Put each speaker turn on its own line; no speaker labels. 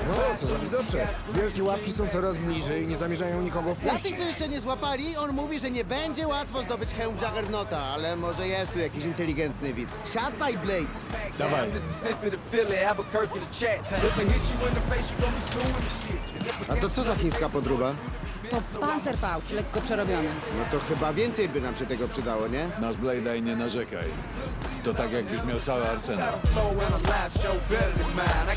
O, co za widoczek. Wielkie łapki są coraz bliżej i nie zamierzają nikogo
Dla
wpuścić.
tych, co jeszcze nie złapali, on mówi, że nie będzie łatwo zdobyć hełm Juggernauta, ale może jest tu jakiś inteligentny widz. Siadaj, Blade!
Dawaj.
A to co za chińska podróba?
To Panzerfaust, lekko przerobiony.
No to chyba więcej by nam się tego przydało, nie?
Nasz Blade'a i nie narzekaj. To tak jakbyś miał cały arsenał.